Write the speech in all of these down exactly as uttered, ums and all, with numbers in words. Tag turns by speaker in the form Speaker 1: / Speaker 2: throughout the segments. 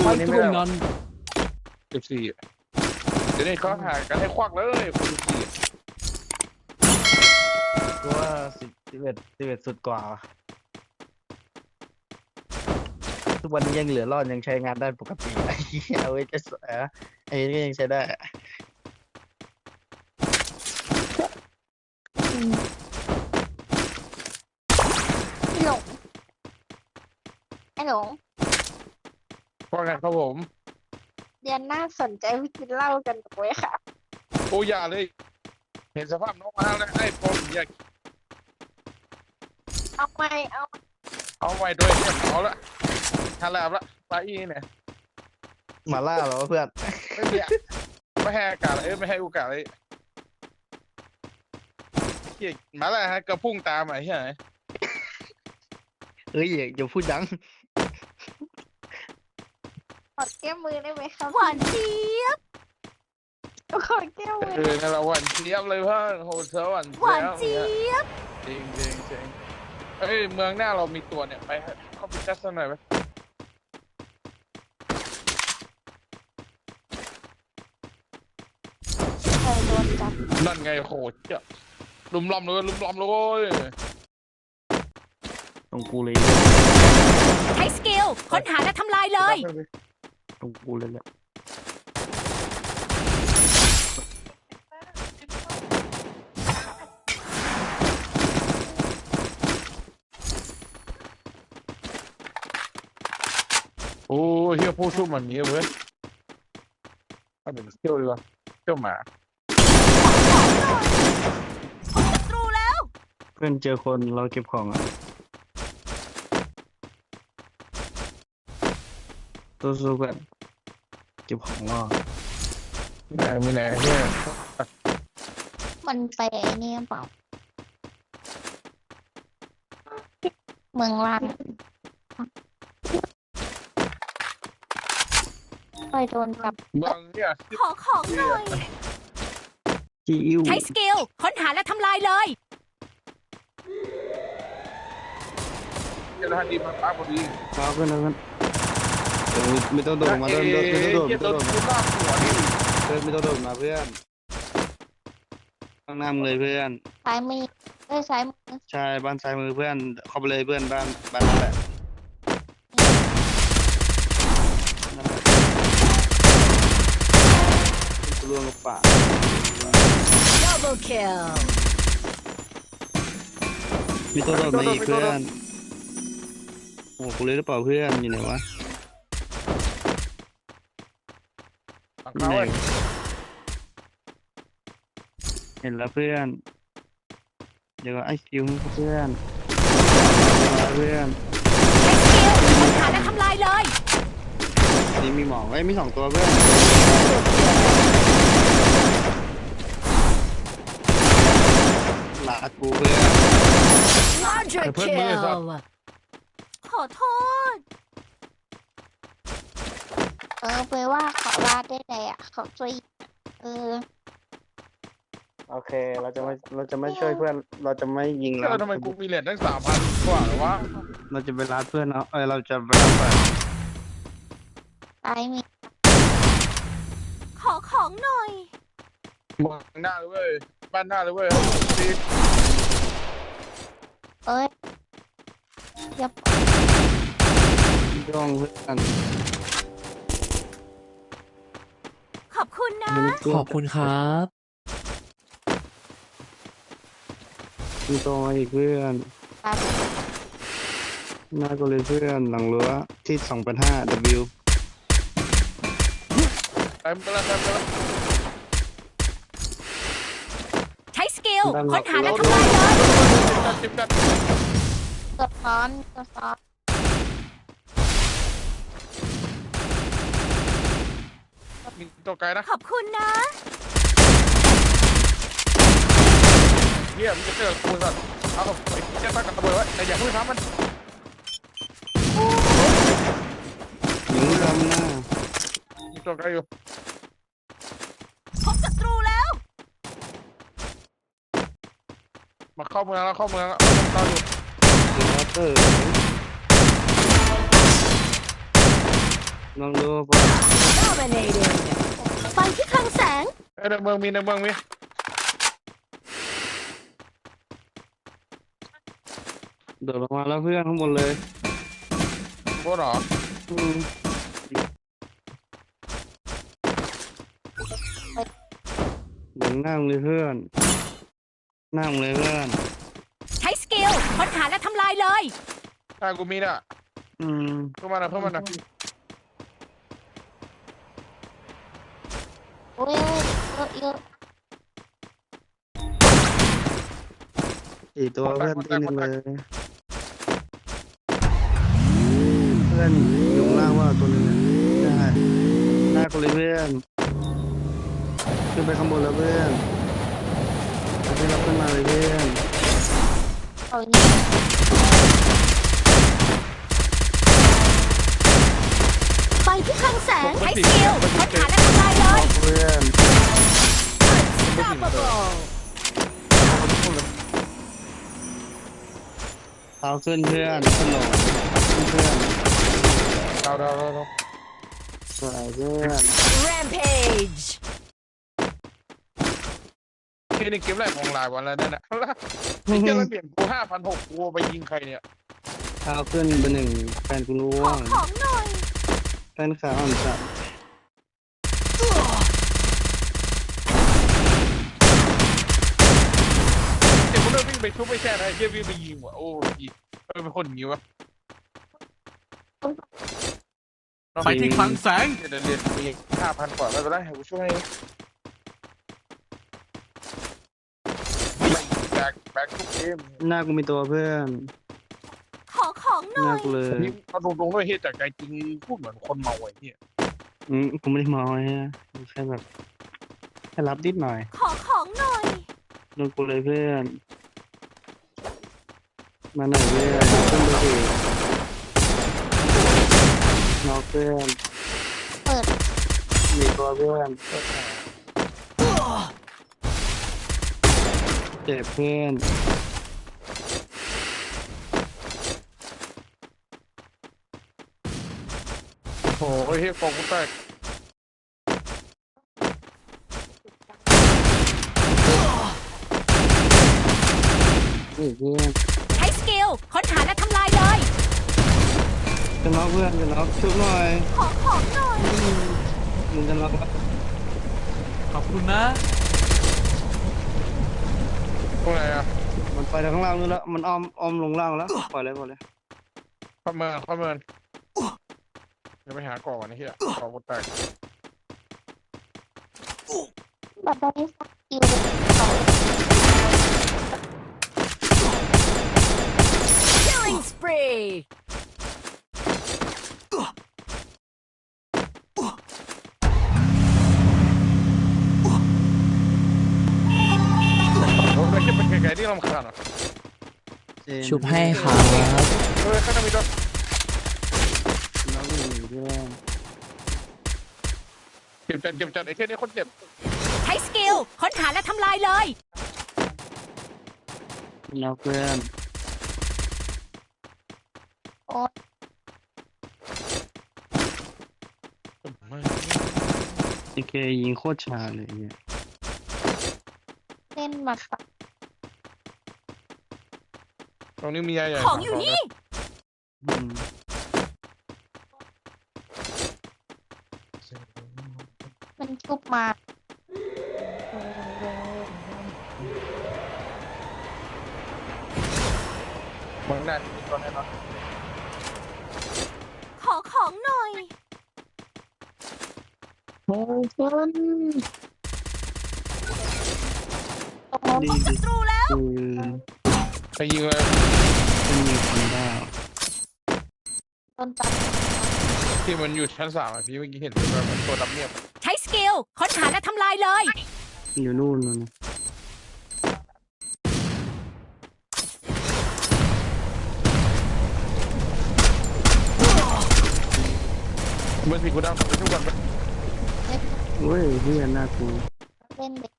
Speaker 1: สี่นี่ไม่ได้
Speaker 2: สิบสี่เดี๋ยวนี้เขาหากันให้ควักเลยคนสิบสี่
Speaker 1: กูว่าสิบสิบเอ็ดสิบเอ็ดสุดกว่าทุกวันนี้ยังเหลือรอดยังใช้งานได้ปกติไอ้เอาไว้จะเออไอ้นี่ก็ยังใช้ได้
Speaker 3: พี่หลงไอ้หลง
Speaker 2: ว่าไงครับผม
Speaker 3: เดือนหน้าสนใจไปกินเหล้ากันไหมคะ
Speaker 2: โอ้ยาเลยเห็นสภาพน้องมาแล้วไอ้ผมอยาก
Speaker 3: เอาไม่เอา
Speaker 2: เอาไว้ด้วยเนี่ยเอาละฮาลาบละปลาอีเนี่ย
Speaker 1: มาล่าเหรอเพื่อน
Speaker 2: ไม่เบียไม่ให้โอกาสเอ้ยไม่ให้โอกาสเลยเฮียมาแล้วฮะกระพุ่งตามไอ้เหี้ย
Speaker 1: เอ้ยอย่าพูดดัง
Speaker 3: ขอแก้มือได้ไหมครับ
Speaker 4: หวานเจี๊ยบ
Speaker 3: ขอแก้มือ
Speaker 2: เออนั่นแหละหวานเจี๊ยบเลยเพื่อนโหเธอหวาน
Speaker 4: หวานเจี๊ยบ
Speaker 2: จริงจริงจริงเอ้ยเมืองหน้าเรามีตัวเนี่ยไปเข้าไปจัดสักหน่อยไหม
Speaker 3: ใครโดนจับ
Speaker 2: นั่นไงโหเจ้าลุมล้อมเลยลุมล้อมเลย
Speaker 1: ตรงกูเลย
Speaker 4: ใช้สกิลค้นหาและทำลายเลย
Speaker 1: ตรงกูเลยแหละ
Speaker 2: โอ้เฮียผู้สู้มันนี้เว้ยถ้าเป็นเที่ยวดีกว่าเที่ยวหมา
Speaker 4: ศัตรูแล้ว
Speaker 1: เพื่อนเจอคนเราเก็บของอ่ะสู้ๆกันเก็บของรอ
Speaker 2: ไม่ไหนไม่ไหนเนี่ย
Speaker 3: มันไปไอ้นี่เปล่าเมืองล่างเคยโดนจับ
Speaker 2: เมืองเนี่ย
Speaker 4: ขอของหน่อย
Speaker 1: จิ๋ว
Speaker 4: ใช้สกิลค้นหาและทำลายเลย
Speaker 2: เจ้าหน้าที่มาป้าพอดี
Speaker 1: มาเพื่อนนะเพื่อนไม่ต้องโดดมาเดินเดินไม่ต้องโดดไม่ต้องโดดมาเดินไม่ต้องโดดมาเพื่อนข้างหน้ามึงเลยเพื่อน
Speaker 3: ซ้ายมือเอ้ยซ้ายมือ
Speaker 1: ใช่บ้านซ้ายมือเพื่อนเข้าไปเลยเพื่อนบ้านบ้านนั่นแหละกูล่วงกับป่า
Speaker 4: Double kill
Speaker 1: มีตัวโดดมาอีกเพื่อนโอ้กูเลยหรือเปล่าเพื่อนอยู่ไหนวะ
Speaker 2: อยู่ไหน
Speaker 1: เห็นแล้วเพื่อนเดี๋ยวไอ้คิวเพื่อนเพื่อน
Speaker 4: ใช้สกิลค้นหาและทำลายเลย
Speaker 1: นี่มีหมอกไอ้มีสองตัวเพื่อนลากูเพื่อน
Speaker 4: Larger kill ขอโทษ
Speaker 3: เออไปว่าเขาลาดได้ไงอ่ะเขาช่วยเออ
Speaker 1: โอเคเราจะไม่เราจะไม่ช่วยเพื่อนเราจะไม่ยิงแล้ว
Speaker 2: ทำไมกูมีเหรียญตั้งสามพันกว่าหรอวะ
Speaker 1: เราจะไปรัดเพื่อนเนาะเออเราจะไปรัดเพื่อน
Speaker 3: ไอ้มี
Speaker 4: ขอของหน่อย
Speaker 2: มองหน้าเลยเว้ยบ้านหน้าเลยเว้ยดี
Speaker 3: เอ้ยยับ
Speaker 1: ย่องเพื่อน
Speaker 4: ขอบคุณนะ
Speaker 5: ขอบคุณครับ
Speaker 1: มีตัวอีกเพื่อนหน้าก็เลยเพื่อนหลังรั้วที่สองพันห้า W
Speaker 2: เต็มไปแล้วเต็มไปแล้ว
Speaker 4: ใช้สกิลค้นหาและทำลายเลย
Speaker 2: จิบกัน
Speaker 3: ตัวซ้อนตัวซ้อน
Speaker 2: มีตัวไกลนะ
Speaker 4: ขอบคุณนะ
Speaker 2: เยี่ยมจะเจอกูสัตว์เอาไปเจ้าตั้งกับระเบิดไว้แต่อย่าพูดทำมัน
Speaker 1: ยิงทำหน้า
Speaker 2: มีตัวไกลอยู่
Speaker 4: พบศัตรูแล้ว
Speaker 2: มาเข้าเมืองแล้วเข้าเมืองแล้วเราอยู่
Speaker 1: เดอะเตอร์ลองดูป่ะ
Speaker 4: Dominating ไปที่คลังแสง
Speaker 2: เอ้ยในเมืองมีในเมืองมี
Speaker 1: โดดลงมาแล้วเพื่อนข้างบนเลย
Speaker 2: พวกเหรอ
Speaker 1: อืมเดี๋ยวนั่งเลยเพื่อนนั่งเลยเพื่อน
Speaker 4: ใช้สกิลค้นหาและทำลายเลย
Speaker 2: ถ้ากูมีน่ะ
Speaker 1: อืม
Speaker 2: เข้ามาหน่อยเข้ามาหน่อย
Speaker 3: โอ้ยเยอะเยอะ
Speaker 1: สี่ตัวเพื่อนตีหนึ่งเลยเพื่อนอยู่ข้างล่างว่าตัวหนึงอะได้ได้คนเลยเพื่อนขึ้นไปข้างบนแล้วเพื่อนเอาไปรับขึ้นมาเลยเพื่อน
Speaker 3: เอาอย่างนี้
Speaker 4: ไปที่คลังแสงใช้สกิลค้นหาและทำลายเลย
Speaker 1: เพื่อน
Speaker 4: Unstoppable
Speaker 1: เอาขึ้นเพื่อนขึ้นลงขึ้นเพื่อน
Speaker 2: ดาวดาวดาวดาว
Speaker 1: สวยเพื่อน
Speaker 4: Rampage
Speaker 2: แค่นี้เกมแรกของลายวันแล้วนั่นน่ะไอ้เจ้าระเบียบกูห้าพันหกกูไปยิงใครเนี่ย
Speaker 1: เอาขึ้นไปหนึ่งแฟนกูร่
Speaker 4: ข
Speaker 1: ว
Speaker 4: อง ของหน่อย
Speaker 1: แฟนขาอ่อนจัด
Speaker 2: เดี๋ยวกูเริ่มวิ่งไปชุบไปแช่ไอ้เจ้าวิ่งไปยิงว่ะโอ้ยเออเป็นคนอย่างงี้วะ
Speaker 5: ไปที่คลังแสง
Speaker 2: เดี๋ยวเรียนมีห้าพันกว่าไม่เป็นไรให้กูช่วยแบกแบกทุกเกม
Speaker 1: หน้ากูมีตัวเพื่อน
Speaker 4: ขอของห
Speaker 1: ห
Speaker 4: น่
Speaker 1: น้า
Speaker 4: อย
Speaker 1: กูเลย
Speaker 2: นี่เอาตรงๆด้วยเฮียจากใจจริงพูดเหมือนคนเมาไอ้เหี้ย
Speaker 1: อืมกูไม่ได้เมาฮะกูแค่แบบแค่รับนิดหน่อย
Speaker 4: ขอของหน่อย
Speaker 1: โดนกูเลยเพื่อนมาหน่อยเพื่อนขึ้นไปดินอกเพื่อน
Speaker 3: เปิด
Speaker 1: มีตัวเพื่อนเจ็บเพื่อน
Speaker 2: โอ้โหเฮียกองกูแตก
Speaker 1: นี่เพื่อน
Speaker 4: ใช้สกิลค้นหาและทำลายเลย
Speaker 1: จะน็อกเพื่อนจะน็อกชุบหน่อย
Speaker 4: ขอของหน่อย
Speaker 1: มึงจะน็อกแล้ว
Speaker 5: ขอบคุณนะ
Speaker 2: ตรงไหนอ่ะ
Speaker 1: มันไปทางข้างล่างนู่นแล้วมันอ้อมอ้อมลงล่างแล้วปล่อยเลยปล่อยเลย
Speaker 2: ข้าเมินข้าเมินเดี๋ยวไปหาก่อนนะเฮียกองกูแตก
Speaker 3: แบบได้สกิลสอง
Speaker 4: Killing spree
Speaker 2: โอ้ยแค่เป็นไกลๆที่รำคาญอ่ะ
Speaker 1: เจน
Speaker 6: ชุบให้ครับ
Speaker 2: เฮ้ยข้างหน้ามีตัว
Speaker 1: น็อกหนึ่งเพื่อน
Speaker 2: เจ็บจัดเจ็บจัดไอ้แค่นี้คนเจ็บ
Speaker 4: ใช้สกิลค้นหาและทำลายเลย
Speaker 1: น็อกเพื่อน ไอเคยิงโคตรชาเลยเนี่ย
Speaker 3: เล่นหมัดปัก
Speaker 2: ตรงนี้มียาใหญ่
Speaker 4: ของอยู่นี่
Speaker 1: อืม
Speaker 3: มันชุบมา
Speaker 2: เมืองหน้ามีตัวแน่นอน
Speaker 4: ขอของหน่อย
Speaker 3: โอ้ยเพื่อนตรงโน้น
Speaker 1: ดี
Speaker 4: ศั
Speaker 1: ดี
Speaker 4: ตรูแล้ว
Speaker 1: คือ
Speaker 2: ไปยิงเลย
Speaker 1: เป็นมีคนบ้า
Speaker 3: โดนจับ
Speaker 2: ที่มันอยู่ชั้นสามอ่ะพี่เมื่อกี้เห็นเป็นแบบตัวดำเนียบ
Speaker 4: ใช้สกิลค้นหาและทำลายเลย
Speaker 1: อยู่นู่นนู่น
Speaker 2: เมื่อสิกูดำไปทุกวันไป
Speaker 1: เว้ยเพื่อนน่ากลัว
Speaker 3: เล่นเด็ก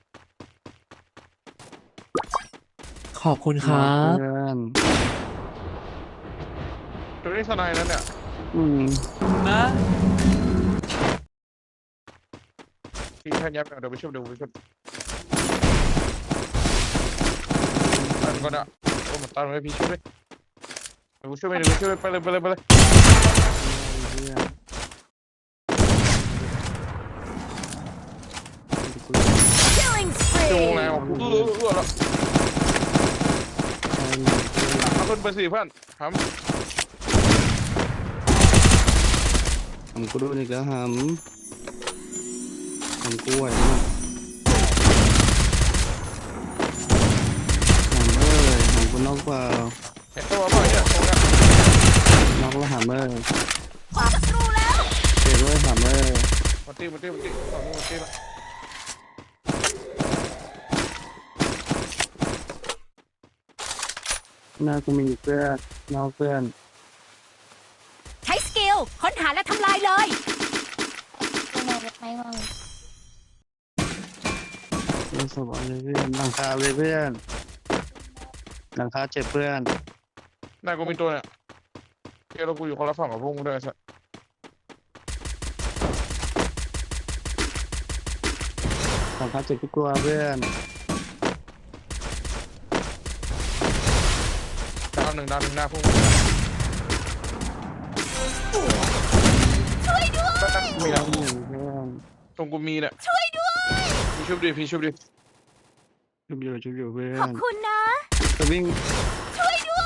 Speaker 6: ขอบคุณครับ
Speaker 1: เพื่อน
Speaker 2: ตัวนี้สไนด์นั้นเนี่ย
Speaker 1: อืม
Speaker 5: นะ
Speaker 2: พี่แค่ยับเดี๋ยวไปช่วยเดี๋ยวไปช่วยตันก่อนอะโอ้มันตันเลยพี่ช่วยด้วยเดี๋ยวช่วยไปเดี๋ยวช่วยไปเลยไปเลยไปเลย
Speaker 1: เพื่อน
Speaker 4: Killing
Speaker 2: จะวง
Speaker 4: spree.
Speaker 2: ไหนออกเออเออแล้วเอาขึ้นไปสี่เพื่อนทำ
Speaker 1: หำกูโดนอีกแล้วหำหำกูไหวไหมหำเอ้ยหำกูนอกเปล่า
Speaker 2: เห็นตัวป่ะเนี่ยตรงนี้
Speaker 1: นอกแล้วหำเอ้ย
Speaker 4: พบศัตรูแล้ว
Speaker 1: เจ็บเลยหำเอ้ย
Speaker 2: มาตีมาตีมาตีฝั่งนู้นมาตีละ
Speaker 1: หน้ากูมีอยู่เพื่อนนอกเพื่อน
Speaker 4: ใช้สกิลค้นหาและทำลายเลย
Speaker 3: เป็นอะไรไม่ว่าเลย
Speaker 1: เล่นสบายเลยเพื่อนหลังคาเลยเพื่อนหลังคาเจ็บเพื่อน
Speaker 2: นายกูมีตัวเนี่ยเดี๋ยวเรากูอยู่คนละฝั่งกับพวกมึงด้วยสัส
Speaker 1: หลังคาเจ็บทุกตัวเพื่อน
Speaker 2: ดาวหนึ่งดาวหนึ่งหน้าพวกมึง
Speaker 4: ช่วยด้วย
Speaker 2: แป๊บๆมีแล้ว
Speaker 1: หนึ่งเพื่อน
Speaker 2: ตรงกูมีเนี่ย
Speaker 4: ช่วยด้วย
Speaker 2: พี่ชุบดิพี่ชุบดิ
Speaker 1: ชุบอยู่ชุบอยู่เพื่อ
Speaker 4: ขอบ
Speaker 1: น
Speaker 4: คุณนะ
Speaker 1: จะวิ่ง
Speaker 4: ช่วยด้วย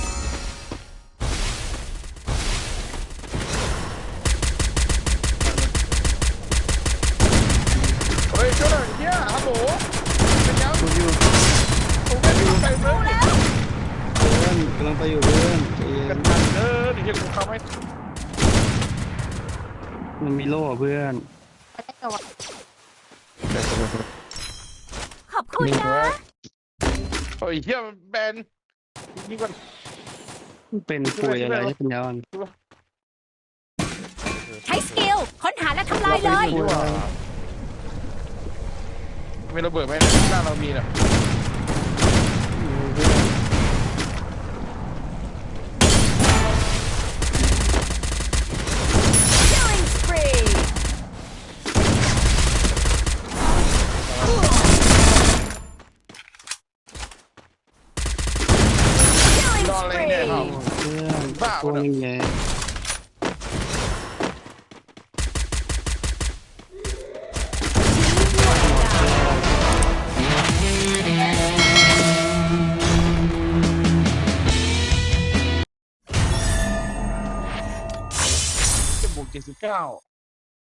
Speaker 2: เฮ้ยช่วยหน่อยเฮียฮัลโหลเป็นยัง
Speaker 1: ชุบอยู่
Speaker 2: ผมไม่มีใครเลย
Speaker 1: เพื่อนกำลังไปอยู่เพื่อนใจเย็
Speaker 2: กัน นทันเด้อเดี๋ยวเฮียกูเข้าให้
Speaker 1: มันมีโล่อะเพื่อน
Speaker 3: ไม่ได้กับว่า
Speaker 4: ขอบคุณนะ
Speaker 2: เฮ้ยเฮียมันแบนนี่ก่อน
Speaker 1: เป็นป่วยอะไรที่เป็นยอน
Speaker 4: ใช้สกิลค้นหาและทำลายเลย
Speaker 2: ดีกว่ามีระเบิดไหมหน้าเรามีน่ะ
Speaker 4: Killing spree.
Speaker 2: นอนเลยเนี่ยครับ
Speaker 1: เพื่อนตัวนึงไง
Speaker 2: จะบวกเจ็ดสิบเก้า